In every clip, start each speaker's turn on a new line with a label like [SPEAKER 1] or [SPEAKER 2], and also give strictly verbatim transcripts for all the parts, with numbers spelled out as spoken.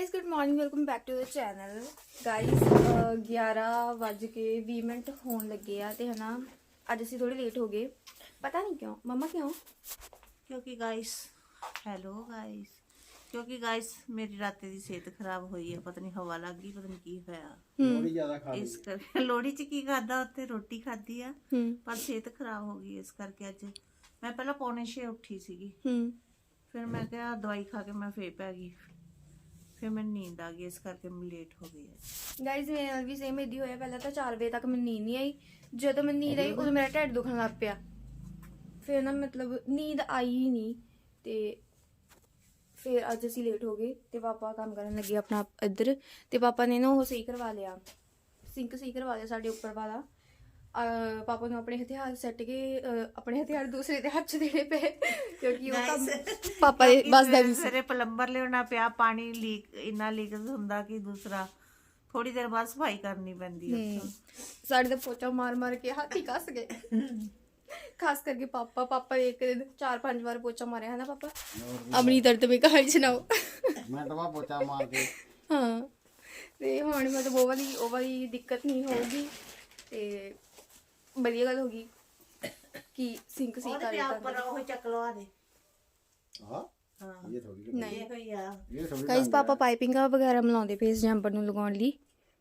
[SPEAKER 1] Guys good morning welcome back to the channel guys ग्यारह वज के बीस मिनट होने लगे आ ते है ना अज असीं थोड़े लेट हो गए पता नहीं क्यों मम्मा क्यों
[SPEAKER 2] क्योंकि गाइस हेलो गाइस क्योंकि गाइस मेरी रात की सेहत खराब हुई है पता नहीं हवा लग गई पता नहीं की होया
[SPEAKER 3] लोड़ी ज्यादा खा
[SPEAKER 2] इस कर लोड़ी च की खादा उत्ते रोटी खाधी आ
[SPEAKER 1] हम्म
[SPEAKER 2] पर सेहत खराब हो गई इस करके अज मैं पहला पौने छे उठी सीगी
[SPEAKER 1] हम्म
[SPEAKER 2] फिर मैं क्या दवाई खा के मैं फिर पै गई फिर मैंने नींद आ गई इस करके मैं लेट हो गई है
[SPEAKER 1] गाइज मेरे नाल भी सेम इदी होया पहले तो चार बजे तक मैंने नींद नहीं आई जो मैं नींद आई उदों मेरा ढिड दुखन लग पिया फिर ना मतलब नींद आई ही नहीं ते फिर अज असीं लेट हो गए ते पापा काम करन लगे अपना इधर ते पापा ने ना वो सही करवा लिया सिंक सही करवा लिया साढ़े उपर वाला अह, पापा ने अपने हथियार सट के अह, अपने हथियार दूसरे दे हथ च देने पे क्योंकि वो काम पापा दे बस दा नहीं सी
[SPEAKER 2] फिर प्लम्बर लियाना पिया पानी लीक इन्ना लीक हुंदा कि दूसरा थोड़ी देर बाद सफाई करनी पैंदी है
[SPEAKER 1] साढ़े तो पोचा मार मार के हाथ ही कस गए खास करके पापा पापा एक दिन चार पांच बार पोचा मारे है ना पापा अपनी दर्द में कहानी सुनाओ
[SPEAKER 3] मैं तो वहाँ पोचा मार के
[SPEAKER 1] हाँ ते हुण मतलब वो वाली वो वाली दिक्कत नहीं होगी ते बढ़िया गल होगी कि सिंक सी कर लेता
[SPEAKER 2] ऊपर वो चक लो आ दे
[SPEAKER 3] हाँ
[SPEAKER 2] हाँ
[SPEAKER 3] ये थोड़ी
[SPEAKER 1] नहीं
[SPEAKER 2] ये कोई आ
[SPEAKER 3] ये थोड़ी
[SPEAKER 1] गाइस पापा पाइपिंग वगैरह मिलाਉਂਦੇ ਪਏ ਇਸ ਜੰਪਰ ਨੂੰ ਲਗਾਉਣ ਲਈ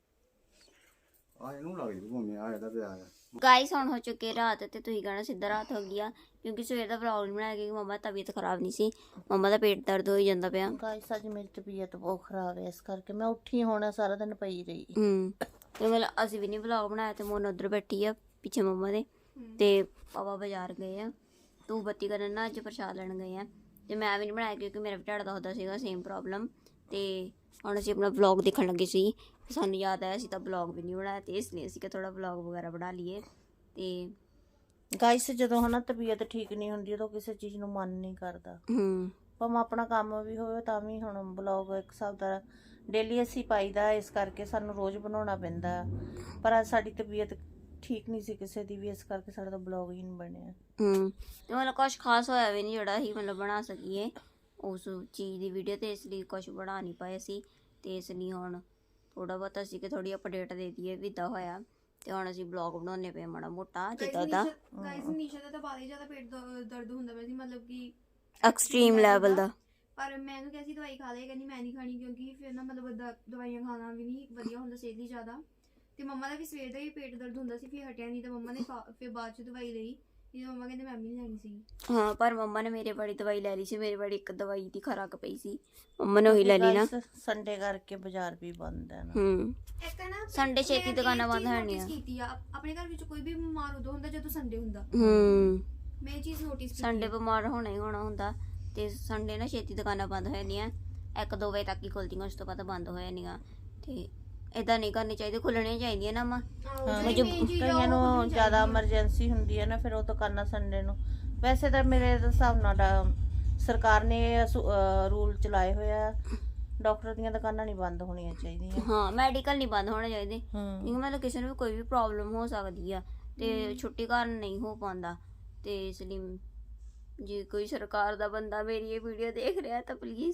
[SPEAKER 3] आ इनू लग जू घूमने आया था पे आया
[SPEAKER 4] ਗਾਈਸ ਹੁਣ ਹੋ ਚੁੱਕੇ ਰਾਤ ਤੇ ਤੁਸੀਂ ਕਹਿਣਾ ਸਿੱਧਾ ਰਾਤ ਹੋ ਗਿਆ ਕਿਉਂਕਿ ਸਵੇਰ ਦਾ ਵਲੌਗ ਨਹੀਂ ਬਣਾਇਆ ਕਿਉਂਕਿ ਮੰਮਾ ਦੀ ਤਬੀਅਤ ਖਰਾਬ ਨਹੀਂ ਸੀ ਮੰਮਾ ਦਾ ਪੇਟ ਦਰਦ ਹੋਈ ਜਾਂਦਾ ਪਿਆ
[SPEAKER 2] ਗਾਇਸ ਅੱਜ ਮੇਰੀ ਤਬੀਅਤ ਬਹੁਤ ਖਰਾਬ ਹੈ ਇਸ ਕਰਕੇ ਮੈਂ ਉੱਠੀ ਹੋਣਾ ਸਾਰਾ ਦਿਨ ਪਈ ਰਹੀ
[SPEAKER 4] ਹੂੰ ਤੇ ਮਤਲਬ ਅਸੀਂ ਵੀ ਨਹੀਂ ਵਲੌਗ ਬਣਾਇਆ ਤੇ ਮੋਨ ਉਧਰ ਬੈਠੀ ਆ ਪਿੱਛੇ ਮੰਮਾ ਦੇ ਤੇ ਪਾਪਾ ਬਾਜ਼ਾਰ ਗਏ ਆ ਤੂੰ ਬੱਤੀ ਕਰਨ ਨਾ ਅੱਜ ਪ੍ਰਸ਼ਾਦ ਲੈਣ ਗਏ ਆ ਤੇ ਮੈਂ ਵੀ ਨਹੀਂ ਬਣਾਇਆ ਕਿਉਂਕਿ ਮੇਰਾ ਵੀ ਢਿੱਡ ਦਾ ਹੁੰਦਾ ਸੀਗਾ ਸੇਮ ਪ੍ਰੋਬਲਮ ਤੇ ਹੁਣ ਅਸੀਂ ਆਪਣਾ ਵਲੌਗ ਦੇਖਣ ਲੱਗੇ ਸੀ ਸਾਨੂੰ ਯਾਦ ਆਇਆ ਅਸੀਂ ਤਾਂ ਵਲੌਗ ਵੀ ਨਹੀਂ ਬਣਾਇਆ ਤੇ ਇਸ ਲਈ ਅਸੀਂ ਕਿ ਥੋੜਾ ਵਲੌਗ ਵਗੈਰਾ ਬਣਾ ਲਈਏ ਤੇ
[SPEAKER 2] ਗਾਇਸ ਜਦੋਂ ਹਨਾ ਤਬੀਅਤ ਠੀਕ ਨਹੀਂ ਹੁੰਦੀ ਉਦੋਂ ਕਿਸੇ ਚੀਜ਼ ਨੂੰ ਮਨ ਨਹੀਂ ਕਰਦਾ
[SPEAKER 4] ਹੂੰ
[SPEAKER 2] ਭਾਵੇਂ ਆਪਣਾ ਕੰਮ ਵੀ ਹੋਵੇ ਤਾਂ ਵੀ ਹੁਣ ਬਲੌਗ ਇੱਕ ਹਿਸਾਬ ਦਾ ਡੇਲੀ ਅਸੀਂ ਪਾਈਦਾ ਇਸ ਕਰਕੇ ਸਾਨੂੰ ਰੋਜ਼ ਬਣਾਉਣਾ ਪੈਂਦਾ ਪਰ ਅੱਜ ਸਾਡੀ ਤਬੀਅਤ ਠੀਕ ਨਹੀਂ ਸੀ ਕਿਸੇ ਦੀ ਵੀ ਇਸ ਕਰਕੇ ਸਾਡਾ ਤਾਂ ਬਲੌਗ ਹੀ ਨਹੀਂ ਬਣਿਆ
[SPEAKER 4] ਹੂੰ ਤੇ ਮਤਲਬ ਕੁਛ ਖਾਸ ਹੋਇਆ ਵੀ ਨਹੀਂ ਜਿਹੜਾ ਅਸੀਂ ਮਤਲਬ ਬਣਾ ਸਕੀਏ ਉਸ ਚੀਜ਼ ਦੀ ਵੀਡੀਓ ਤੇ ਇਸ ਲਈ ਕੁਛ ਬਣਾ ਨਹੀਂ ਪਾਏ ਸੀ ਤੇ ਇਸ ਲਈ ਹੁਣ ਥੋੜਾ ਬਹੁਤ ਅਸੀਂ ਕਿ ਥੋੜੀ ਅਪਡੇਟ ਦੇ ਦਈਏ ਵੀ ਇੱਦਾਂ ਹੋਇਆ ਤੇ ਹੁਣ ਅਸੀਂ ਬਲੌਗ ਬਣਾਉਣੇ ਪਏ ਮਾੜਾ ਮੋਟਾ ਜਿੱਦਾਂ ਦਾ
[SPEAKER 1] ਗਾਇਸ ਨੀਸ਼ਾ ਦਾ ਤਾਂ ਬਾਲੀ ਜ਼ਿਆਦਾ ਪੇਟ ਦ- ਦਰਦ ਹੁੰਦਾ ਪਿਆ ਸੀ ਮਤਲਬ ਕਿ
[SPEAKER 4] ਐਕਸਟ੍ਰੀਮ ਲੈਵਲ ਦਾ
[SPEAKER 1] ਪਰ ਮੈਂ ਉਹਨੂੰ ਕਿਹਾ ਸੀ ਦਵਾਈ ਖਾ ਲੈ ਕਹਿੰਦੀ ਮੈਂ ਨਹੀਂ ਖਾਣੀ ਕਿਉਂਕਿ ਫਿਰ ਨਾ ਮਤਲਬ ਦ- ਦਵਾਈਆਂ ਖਾਣਾ ਵੀ ਨਹੀਂ ਵਧੀਆ ਹੁੰਦਾ ਸਿਹਤ ਲਈ ਜ਼ਿਆਦਾ ਤੇ ਮੰਮਾ ਦਾ ਵੀ ਸਵੇਰ ਦਾ ਹੀ ਪੇਟ ਦਰਦ ਹੁੰਦਾ ਸੀ ਫਿਰ ਹਟਿਆ ਨਹੀਂ ਤਾਂ ਮੰਮਾ ਨੇ ਖਾ- ਫਿਰ ਬਾਅਦ ਚ ਦਵਾਈ ਲਈ ਇਹ ਮੰਮਾ ਕਹਿੰਦੇ ਮੈਂ ਵੀ ਨਹੀਂ ਲੈਣੀ ਸੀ
[SPEAKER 4] ਹਾਂ ਪਰ ਮੰਮਾ ਨੇ ਮੇਰੇ ਬੜੀ ਦਵਾਈ ਲੈ ਲਈ ਸੀ ਮੇਰੇ ਬੜੀ ਇੱਕ ਦਵਾਈ ਦੀ ਖਰਾਕ ਪਈ ਸੀ ਮੰਮਾ ਨੇ ਉਹੀ ਲੈ ਲਈ ਨਾ
[SPEAKER 2] ਸੰਡੇ ਕਰਕੇ ਬਾਜ਼ਾਰ ਵੀ ਬੰਦ ਹੈ ਨਾ
[SPEAKER 4] ਹੂੰ
[SPEAKER 1] ਇੱਕ ਨਾ
[SPEAKER 4] ਸੰਡੇ ਛੇਤੀ
[SPEAKER 1] ਮੈਂ
[SPEAKER 4] ਦੁਕਾਨਾਂ
[SPEAKER 1] ਇਹ
[SPEAKER 4] ਬੰਦ
[SPEAKER 1] ਚੀਜ਼
[SPEAKER 4] ਹੋਣੀਆਂ
[SPEAKER 1] notice ਕੀਤੀ ਆ ਆਪਣੇ ਘਰ ਵਿੱਚ ਕੋਈ ਵੀ ਬਿਮਾਰ ਉਦੋਂ ਹੁੰਦਾ ਜਦੋਂ ਸੰਡੇ ਹੁੰਦਾ
[SPEAKER 4] ਹੂੰ
[SPEAKER 1] ਮੈਂ ਇਹ ਚੀਜ਼ ਨੋਟਿਸ ਕੀਤੀ
[SPEAKER 4] ਸੰਡੇ ਬਿਮਾਰ ਹੋਣਾ ਹੀ ਹੋਣਾ ਹੁੰਦਾ ਤੇ ਸੰਡੇ ਨਾ ਛੇਤੀ ਦੁਕਾਨਾਂ ਬੰਦ ਹੋ ਜਾਂਦੀਆਂ ਇੱਕ ਦੋ ਵਜੇ ਤੱਕ ਹੀ ਖੁੱਲਦੀਆਂ ਉਸ ਤੋਂ ਬਾਅਦ ਬੰਦ ਹੋ ਜਾਂਦੀਆਂ ਤੇ ਇਦਾਂ ਨਹੀਂ ਕਰਨੀ ਚਾਹੀਦੀ ਖੁੱਲਣੀਆਂ ਚਾਹੀਦੀਆਂ ਨਾ ਮਾਂ
[SPEAKER 2] ਕਈਆਂ ਨੂੰ ਜ਼ਿਆਦਾ ਐਮਰਜੈਂਸੀ ਹੁੰਦੀ ਹੈ ਨਾ ਫਿਰ ਉਹ ਤਾਂ ਕਰਨਾ ਸੰਡੇ ਨੂੰ ਵੈਸੇ ਤਾਂ ਮੇਰੇ ਹਿਸਾਬ ਨਾਲ ਡਾ- ਸਰਕਾਰ ਨੇ ਰੂਲ ਚਲਾਏ ਹੋਇਆ ਡਾਕਟਰ ਦੀਆਂ ਦੁਕਾਨਾਂ ਨਹੀਂ ਬੰਦ ਹੋਣੀਆਂ ਚਾਹੀਦੀਆਂ
[SPEAKER 4] ਹਾਂ ਮੈਡੀਕਲ ਨਹੀਂ ਬੰਦ ਹੋਣੇ ਚਾਹੀਦੇ
[SPEAKER 2] ਹੂੰ
[SPEAKER 4] ਕਿਉਂਕਿ ਮਤਲਬ ਕਿਸੇ ਨੂੰ ਵੀ ਕੋਈ ਵੀ ਪ੍ਰੋਬਲਮ ਹੋ ਸਕਦੀ ਆ ਤੇ ਛੁੱਟੀ ਕਾਰਨ ਨਹੀਂ ਹੋ ਪਾਉਂਦਾ ਤੇ ਇਸ ਲਈ ਜੇ ਕੋਈ ਸਰਕਾਰ ਦਾ ਬੰਦਾ ਮੇਰੀ ਇਹ ਵੀਡੀਓ ਦੇਖ ਰਿਹਾ ਤਾਂ ਪਲੀਜ਼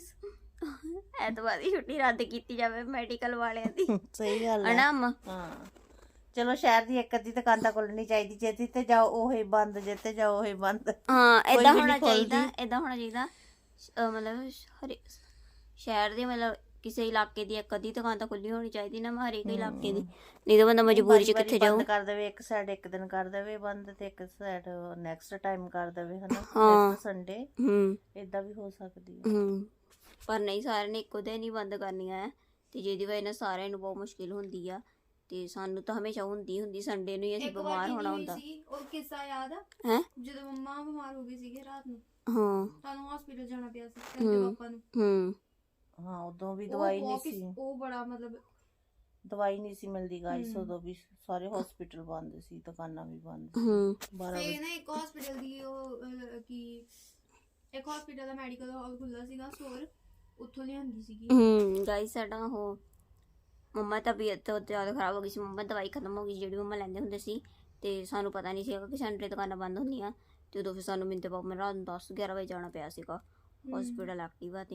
[SPEAKER 4] ਐਤਵਾਰ ਦੀ ਛੁੱਟੀ ਰੱਦ ਕੀਤੀ ਜਾਵੇ ਮੈਡੀਕਲ ਵਾਲਿਆਂ ਦੀ
[SPEAKER 2] ਸਹੀ ਗੱਲ ਹੈ
[SPEAKER 4] ਹਨਾ ਅੰਮਾ
[SPEAKER 2] ਹਾਂ ਚਲੋ ਸ਼ਹਿਰ ਦੀ ਇੱਕ ਅੱਧੀ ਦੁਕਾਨ ਤਾਂ ਖੋਲਣੀ ਚਾਹੀਦੀ ਜੇ ਤੇ ਜਾਓ ਉਹ ਹੀ ਬੰਦ ਜੇ ਤੇ ਜਾਓ ਉਹ ਹੀ ਬੰਦ
[SPEAKER 4] ਹਾਂ
[SPEAKER 2] ਕੋਈ
[SPEAKER 4] ਏਦਾਂ
[SPEAKER 2] ਵੀ
[SPEAKER 4] ਹੋਣਾ
[SPEAKER 2] ਨਹੀਂ ਖੋਲ੍ਹਦੀ।
[SPEAKER 4] ਚਾਹੀਦਾ ਏਦਾਂ ਹੋਣਾ ਚਾਹੀਦਾ ਅਹ ਮਤਲਬ ਹਰੇ ਸ਼ਹਿਰ ਦੇ ਮਤਲਬ ਕਿਸੇ ਇਲਾਕੇ ਦੀ ਇੱਕ ਅੱਧੀ ਦੁਕਾਨ ਤਾਂ ਖੁੱਲੀ ਹੋਣੀ ਚਾਹੀਦੀ ਨਾ ਹਰੇਕ ਇਲਾਕੇ ਦੀ ਨਹੀਂ ਤਾਂ ਬੰਦਾ ਮਜਬੂਰੀ ਚ ਕਿੱਥੇ ਜਾਊ
[SPEAKER 2] ਬੰਦ ਕਰ ਦੇਵੇ ਇੱਕ ਸਾਈਡ ਇੱਕ ਦਿਨ ਕਰ ਦੇਵੇ ਬੰਦ ਤੇ ਇੱਕ ਸਾਈਡ ਨੈਕਸਟ ਟਾਈਮ ਕਰ ਦੇਵੇ ਹਨਾ
[SPEAKER 4] ਹਾਂ।
[SPEAKER 2] ਨੈਕਸਟ ਸੰਡੇ
[SPEAKER 4] ਹੂੰ
[SPEAKER 2] ਇਦਾਂ ਵੀ ਹੋ ਸਕਦੀ ਹੈ
[SPEAKER 4] ਹੂੰ ਪਰ ਨਹੀਂ ਸਾਰਿਆਂ ਨੇ ਇੱਕੋ ਦਿਨ ਹੀ ਬੰਦ ਕਰਨੀਆਂ ਹੈ ਤੇ ਜਿਹਦੀ ਵਜ੍ਹਾ ਨਾਲ ਸਾਰਿਆਂ ਨੂੰ ਬਹੁਤ ਮੁਸ਼ਕਿਲ ਹੁੰਦੀ ਆ ਤੇ ਸਾਨੂੰ ਤਾਂ ਹਮੇਸ਼ਾ ਹੁੰਦੀ ਹੁੰਦੀ ਸੰਡੇ ਨੂੰ ਹੀ ਅਸੀਂ
[SPEAKER 1] ਇੱਕ ਵਾਰ
[SPEAKER 4] ਬਿਮਾਰ
[SPEAKER 1] ਕੀ
[SPEAKER 4] ਹੋਣਾ
[SPEAKER 1] ਹੋਈ
[SPEAKER 4] ਹੁੰਦਾ
[SPEAKER 1] ਸੀ ਉਹ ਕਿੱਸਾ ਯਾਦ ਆ
[SPEAKER 4] ਹੈ
[SPEAKER 1] ਜਦੋਂ ਮੰਮਾ ਬਿਮਾਰ ਹੋ ਗਈ ਸੀਗੇ ਰਾਤ ਨੂੰ
[SPEAKER 4] ਹਾਂ
[SPEAKER 1] ਤੁਹਾਨੂੰ ਹਸਪੀਟਲ ਜਾਣਾ ਪਿਆ ਸੀ ਤੇ ਪਾਪਾ ਨੂੰ
[SPEAKER 4] ਹੂੰ
[SPEAKER 2] ਹਾਂ ਉਦੋਂ ਵੀ
[SPEAKER 1] ਉਹ
[SPEAKER 2] ਦਵਾਈ ਨਹੀਂ
[SPEAKER 1] ਬਹੁਤ
[SPEAKER 2] ਸੀ
[SPEAKER 1] ਕਿਸ- ਉਹ ਬੜਾ ਮਤਲਬ
[SPEAKER 2] ਦਵਾਈ ਨਹੀਂ ਸੀ ਮਿਲਦੀ ਗਾਈਸ
[SPEAKER 1] ਹਮ।
[SPEAKER 2] ਉਦੋਂ ਵੀ ਸਾਰੇ ਹਸਪੀਟਲ ਬੰਦ ਸੀ ਦੁਕਾਨਾਂ ਵੀ ਬੰਦ ਸੀ
[SPEAKER 4] ਹੂੰ
[SPEAKER 2] ਬਾਰਾਂ
[SPEAKER 1] ਤੇ
[SPEAKER 2] ਵਜੇ
[SPEAKER 1] ਨਾ ਇੱਕ ਹਸਪੀਟਲ ਦੀ ਉਹ ਅਹ, ਕੀ ਇੱਕ ਹਸਪੀਟਲ ਦਾ ਮੈਡੀਕਲ ਹਾਲ ਖੁੱਲ੍ਹਾ ਸੀਗਾ ਸਟੋਰ ਉੱਥੋਂ ਲਿਆਂਦੀ ਸੀਗੀ
[SPEAKER 4] ਹੂੰ ਗਾਈਸ ਸਾਡਾ ਉਹ ਮੰਮਾ ਦੀ ਤਬੀਅਤ ਤੋਂ ਜ਼ਿਆਦਾ ਖਰਾਬ ਹੋ ਗਈ ਸੀ ਮੰਮਾ ਦੀ ਦਵਾਈ ਖਤਮ ਹੋ ਗਈ ਸੀ ਜਿਹੜੀ ਮੰਮਾ ਲੈਂਦੇ ਹੁੰਦੇ ਸੀ ਤੇ ਸਾਨੂੰ ਪਤਾ ਨਹੀਂ ਸੀਗਾ ਕਿ ਸੰਡੇ ਦੁਕਾਨਾਂ ਬੰਦ ਹੁੰਦੀਆਂ ਤੇ ਉਦੋਂ ਫਿਰ ਸਾਨੂੰ ਮਿੰਤੇ ਪਾਪਾ ਰਾਤ ਨੂੰ ਦਸ ਗਿਆਰਾਂ ਵਜੇ ਜਾਣਾ ਪਿਆ ਸੀਗਾ ਹਸਪੀਟਲ ਐਕਟਿਵਾ ਤੇ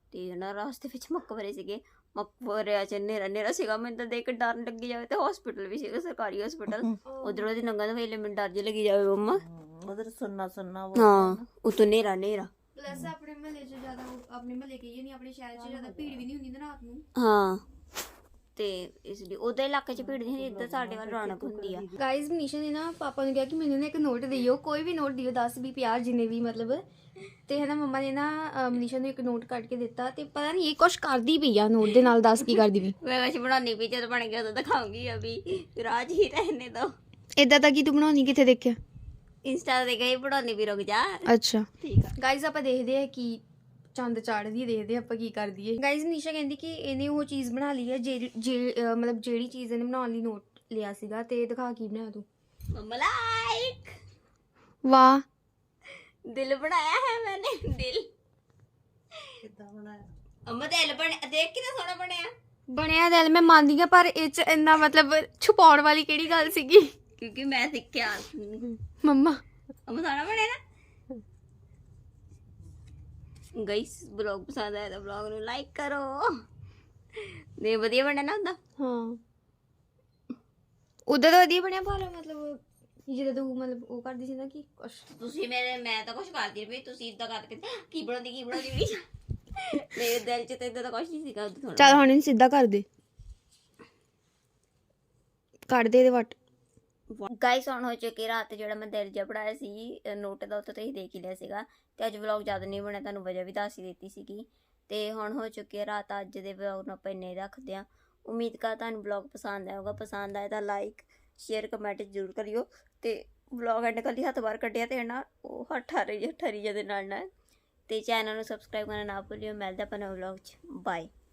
[SPEAKER 4] ਤੇ ਨਾ ਰਾਸਤੇ ਵਿੱਚ ਮਕਬਰੇ ਸੀਗੇ, ਮਕਬਰਿਆਂ 'ਚ ਹਨੇਰਾ ਹਨੇਰਾ ਸੀਗਾ, ਮੈਨੂੰ ਤਾਂ ਦੇਖ ਕੇ ਡਰ ਲੱਗੀ ਜਾਵੇ। ਤੇ ਹਸਪੀਟਲ ਵੀ ਸੀਗਾ, ਸਰਕਾਰੀ ਹਸਪੀਟਲ, ਉਧਰੋਂ ਦੀ ਨੰਗਾ ਤਾਂ ਵੇਲੇ ਮੈਨੂੰ ਡਰ ਜਿਹੀ ਲੱਗੀ ਜਾਵੇ ਮੰਮਾ।
[SPEAKER 2] ਉਧਰ ਸੁਣਨਾ ਸੁਣਨਾ
[SPEAKER 4] ਹਾਂ ਉਤੋਂ ਹਨੇਰਾ ਹਨੇਰਾ।
[SPEAKER 1] ਪਲੱਸ ਆਪਣੇ ਮਹੱਲੇ 'ਚ ਜ਼ਿਆਦਾ ਆਪਣੇ ਮਹੱਲੇ ਕਹੀਏ ਨਹੀਂ ਆਪਣੇ ਸ਼ਹਿਰ 'ਚ ਜ਼ਿਆਦਾ ਭੀੜ ਵੀ ਨਹੀਂ ਹੁੰਦੀ ਨਾ ਰਾਤ ਨੂੰ।
[SPEAKER 4] ਹਾਂ ਤੇ ਇਸ ਲਈ ਉਹਦੇ ਇਲਾਕੇ 'ਚ ਭੀੜ ਨਹੀਂ ਹੁੰਦੀ, ਇੱਧਰ ਸਾਡੇ ਵੱਲ ਰੌਣਕ ਹੁੰਦੀ ਆ।
[SPEAKER 1] ਗਾਇਜ਼ ਮਨੀਸ਼ਾ ਨੇ ਨਾ ਪਾਪਾ ਨੂੰ ਕਿਹਾ ਕਿ ਮੈਨੂੰ ਨਾ ਇੱਕ ਨੋਟ ਦਿਓ, ਕੋਈ ਵੀ ਨੋਟ ਦਿਓ, ਦਸ ਵੀਹ ਪੰਜਾਹ ਜਿੰਨੇ ਵੀ ਮਤਲਬ। ਤੇ ਹੈ ਨਾ ਮੰਮਾ ਨੇ ਨਾ ਅਹ, ਮਨੀਸ਼ਾ ਨੂੰ ਇੱਕ ਨੋਟ ਕੱਢ ਕੇ ਦਿੱਤਾ ਤੇ ਪਤਾ ਨਹੀਂ ਇਹ ਕੁਛ ਕਰਦੀ ਪਈ ਆ ਨੋਟ ਦੇ ਨਾਲ, ਦੱਸ ਕੀ ਕਰਦੀ ਪਈ।
[SPEAKER 4] ਮੈਂ ਕੁਛ ਬਣਾਉਣੀ ਪਈ, ਜਦੋਂ ਬਣ ਗਿਆ ਉਦੋਂ ਦਿਖਾਉਂਗੀ। ਅਭੀ ਰਾਜ ਹੀ ਰਹਿਣੇ ਦੋ।
[SPEAKER 1] ਇਦਾਂ ਤਾਂ ਕੀ ਤੂੰ ਬਣਾਉਣੀ ਕਿੱਥੇ ਦੇਖਿਆ?
[SPEAKER 4] ਇੰਸਟਾ ਤੇ ਗਈ ਬਣਾਉਣੀ ਵੀ, ਰੁਕ ਜਾ।
[SPEAKER 1] ਅੱਛਾ
[SPEAKER 4] ਠੀਕ ਆ।
[SPEAKER 1] ਗਾਇਜ਼ ਆਪਾਂ ਦੇਖਦੇ ਆ ਕਿ ਚੰਦ ਚਾੜਦੀ, ਦੇਖਦੇ ਆਪਾਂ ਕੀ ਕਰਦੀ ਹੈ। ਗਾਇਜ਼ ਮਨੀਸ਼ਾ ਕਹਿੰਦੀ ਕਿ ਇਹਨੇ ਉਹ ਚੀਜ਼ ਬਣਾ ਲਈ ਹੈ ਜਿਹੜੀ ਜੇ- ਅਹ, ਮਤਲਬ ਜਿਹੜੀ ਚੀਜ਼ ਇਹਨੇ ਬਣਾਉਣ ਲਈ ਨੋਟ ਲਿਆ ਸੀਗਾ। ਤੇ ਦਿਖਾ ਕੀ ਬਣਾਇਆ ਤੂੰ?
[SPEAKER 4] ਮੰਮਾ ਲਾਈਕ
[SPEAKER 1] ਵਾਹ
[SPEAKER 4] ਦਿਲ ਬਣਾਇਆ ਹੈ ਮੈंने, ਦਿਲ
[SPEAKER 2] ਕਿੱਦਾਂ ਬਣਾਇਆ?
[SPEAKER 4] ਅੰਮਾ ਦਿਲ ਬਣ ਦੇਖ ਕਿੰਨਾ ਸੋਹਣਾ ਬਣਿਆ।
[SPEAKER 1] ਬਣਿਆ ਦਿਲ ਮੈਂ ਮੰਨਦੀ ਆ, ਪਰ ਇਹ ਚ ਇੰਨਾ ਮਤਲਬ ਛੁਪਾਉਣ ਵਾਲੀ ਕਿਹੜੀ ਗੱਲ ਸੀਗੀ?
[SPEAKER 4] ਕਿਉਂਕਿ ਮੈਂ ਸਿੱਖਿਆ।
[SPEAKER 1] ਮੰਮਾ
[SPEAKER 4] ਅੰਮਾ ਸੋਹਣਾ ਬਣਿਆ ਨਾ। ਗਾਇਸ ਬਲੌਗ ਪਸੰਦ ਆਇਆ ਤਾਂ ਬਲੌਗ ਨੂੰ ਲਾਈਕ ਕਰੋ। ਨੇ ਵਧੀਆ ਬਣਿਆ ਨਾ ਹੁੰਦਾ।
[SPEAKER 1] ਹਾਂ ਉਦਾਂ ਤਾਂ ਵਧੀਆ ਬਣਿਆ, ਪਰ ਮਤਲਬ ਜਦੋਂ ਤੂੰ ਮਤਲਬ ਉਹ ਕਰਦੀ ਸੀ ਨਾ ਕਿ ਕੁਛ
[SPEAKER 4] ਤੁਸੀਂ ਮੇਰੇ ਮੈਂ ਤਾਂ ਕੁਝ ਕਰਦੀ ਪਈ, ਤੁਸੀਂ ਇਦਾਂ ਕਰਕੇ ਕੀ ਬਣਾਉਂਦੀ ਕੀ ਬਣਾਉਂਦੀ ਵੀ ਮੇਰੇ ਦਿਲ 'ਚ ਤਾਂ ਇਦਾਂ ਦਾ ਕੁਝ ਨਹੀਂ ਸੀਗਾ ਉਦੋਂ ਥੋੜਾ।
[SPEAKER 1] ਚੱਲ ਹੁਣ ਇਹਨੂੰ ਸਿੱਧਾ ਕਰ ਦੇ, ਕੱਢ ਦੇ ਇਹਦੇ ਵੱਟ।
[SPEAKER 4] ਗਾਇਸ ਹੁਣ ਹੋ ਚੁੱਕੀ ਰਾਤ, ਜਿਹੜਾ ਮੈਂ ਦਿਲ ਜਿਹਾ ਪੜਾਇਆ ਸੀ ਨੋਟ ਦਾ, ਉੱਥੇ ਤੁਸੀਂ ਦੇਖ ਹੀ ਲਿਆ ਸੀਗਾ। ਤੇ ਅੱਜ ਵਲੌਗ ਜ਼ਿਆਦਾ ਨਹੀਂ ਬਣਿਆ, ਤੁਹਾਨੂੰ ਵਜ੍ਹਾ ਵੀ ਦੱਸ ਹੀ ਦਿੱਤੀ ਸੀਗੀ। ਤੇ ਹੁਣ ਹੋ ਚੁੱਕੀ ਹੈ ਰਾਤ, ਅੱਜ ਦੇ ਵਲੌਗ ਨੂੰ ਆਪਾਂ ਇੰਨੇ ਰੱਖਦੇ ਹਾਂ। ਉਮੀਦ ਕਰ ਤੁਹਾਨੂੰ ਵਲੌਗ ਪਸੰਦ ਆਊਗਾ, ਪਸੰਦ ਆਏ ਤਾਂ ਲਾਈਕ ਸ਼ੇਅਰ ਕਮੈਂਟ ਜ਼ਰੂਰ ਕਰਿਓ। ਤੇ ਵਲੌਗ ਐਂਡ ਕੱਲੀ ਹੱਥ ਬਾਹਰ ਕੱਢਿਆ ਤੇ ਨਾ ਉਹ ਠਾਰੀ ਠਾਰੀ ਦੇ ਨਾਲ ਨਾਲ। ਤੇ ਚੈਨਲ ਨੂੰ ਸਬਸਕ੍ਰਾਈਬ ਕਰਨਾ ਨਾ ਭੁੱਲਿਓ। ਮਿਲਦੇ ਆਪਾਂ ਨਵੇਂ ਵਲੌਗ 'ਚ, ਬਾਏ।